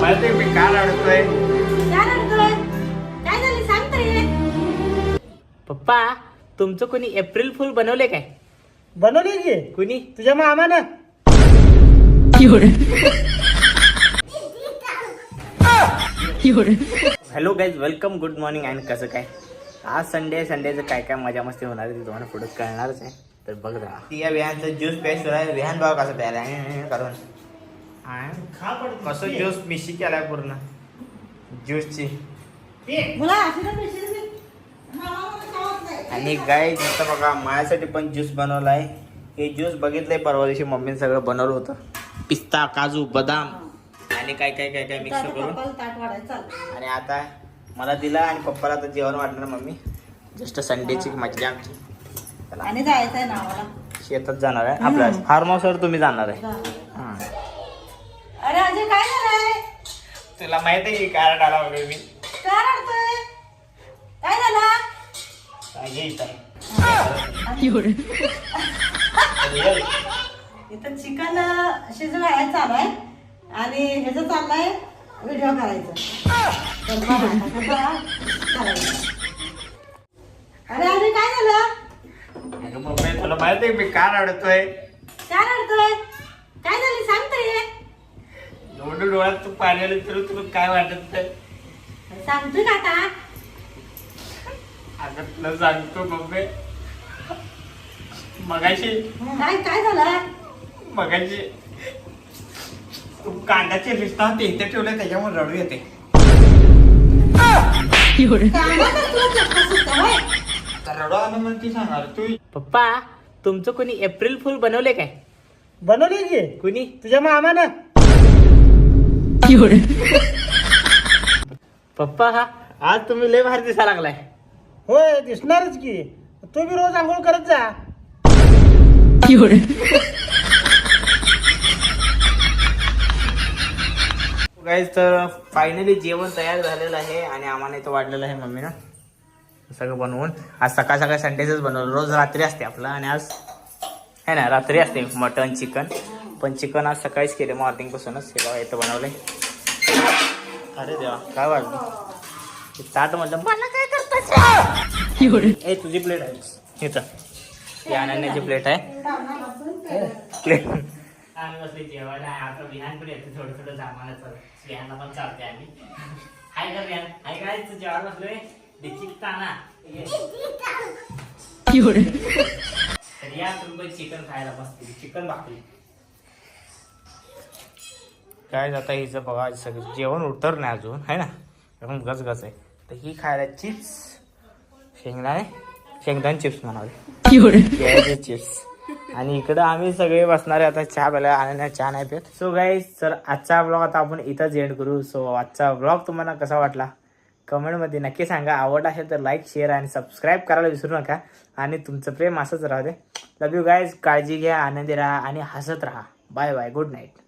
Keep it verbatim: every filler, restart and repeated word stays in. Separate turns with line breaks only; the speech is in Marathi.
माहिती मी का रडतोय?
काय झालं सांग तरी.
पप्पा तुमचं कोणी एप्रिल फुल बनवले काय?
बनवली की
कुणी?
तुझ्या मामानं.
Hello guys, welcome, good morning. आणि कसं काय आज संडे संडेचं काय काय मजा मस्ती होणार आहे ते तुम्हाला पुढे कळणारच आहे. तर बघ राहा ती या विहानचं ज्यूस प्यायचं आहे. विहान भाव कसं प्यायला करून कसं ज्यूस मिशी केलाय पूर्ण ज्यूसची.
मला आशीर्वाद देशील मी?
आणि गाय इथं बघा माझ्यासाठी पण ज्यूस बनवलाय. हे ज्यूस बघितलंय परवा दिवशी मम्मीने सगळं बनवलं होतं. पिस्ता, काजू, बदाम आणि काय काय काय काय मिक्स करून.
ताट वाढायचं चालू.
आणि आता मला दिला आणि पप्पाला आता जेवण वाटणार मम्मी. जस्ट संडेची मज्जा आमची. चला
आणि जायचंय ना मला.
शेतात जाणार आहे आपल्या फार्म हाऊसवर. तुम्ही जाणार आहे? हा.
अरे अजय काय झालंय?
तुला माहित आहे की कारण आला वगैरे मी
काय रडतोय? काय झालं? इथं चिकन शिजवायला चालू आहे आणि ह्याचं चाललंय व्हिडिओ करायचं. अरे अरे काय झालं?
अगं मम्मी तुला माहित आहे मी का रडतोय?
काय रडतोय? काय झालं सांग तरी.
एवढं डोळ्यात तू पाणी आलं तर तुला काय वाटत नाही?
सांगतोय का आता?
अगं तुला सांगतो मम्मी, मगाशी
काय काय झालं?
मगाशी तू कांद्याचे रिश्ता होते इथे ठेवले त्याच्यामुळे रडू येते. तर रडू आलं म्हणून ती सांगणार तू. पप्पा तुमचं कोणी एप्रिल फुल बनवले काय?
बनवली की
कुणी?
तुझ्या मामानं.
पप्पा हा आज तुम्ही लय भारी दिसा लागलाय.
होय दिसणारच की. तू बी रोज आंघोळ करत जा.
गाईज तर फायनली जेवण तयार झालेलं आहे आणि आम्हाला इथं वाढलेलं आहे मम्मीनं सगळं बनवून. आज सकाळ सकाळ संडेचंच बनवलं. रोज रात्री असते आपलं आणि आज है ना रात्री असते मटन चिकन. पण चिकन आज सकाळीच केले मॉर्निंगपासूनच. हे बघा इथं बनवलंय. अरे देवा काय वाटलं ताट म्हटलं मला काय करताच. ए तुझी प्लेट आहे इथं. ही अनन्याची प्लेट आहे. प्लेट आम्ही बसले जेवायला. आता विहान पण येते थोडं थोडं जमानाचं. विहानला पण चालते आम्ही. हाय कर विहान हाय काय जेवायला बसलोय. डिचिकताना तर या तुम्ही चिकन खायला बसते. चिकन भाकरी काय जाता हिचं बघा सगळं जेवण उतर नाही अजून आहे ना. एकदम गचगच आहे. तर ही खायला चिप्स शेंगदाणे शेंगदाणे चिप्स म्हणाले चिप्स. आणि इकडं आम्ही सगळे बसणारे आता चहा प्यायला. आणि चहा नाही पेत. सो गाईज तर आजचा ब्लॉग आता आपण इथंच एंड करू. सो आजचा ब्लॉग तुम्हाला कसा वाटला कमेंटमध्ये नक्की सांगा. आवड असेल तर लाईक शेअर आणि सबस्क्राईब करायला विसरू नका. आणि तुमचं प्रेम असंच राहू दे. लव यू गाईज. काळजी घ्या, आनंदी राहा आणि हसत राहा. Bye bye, good night.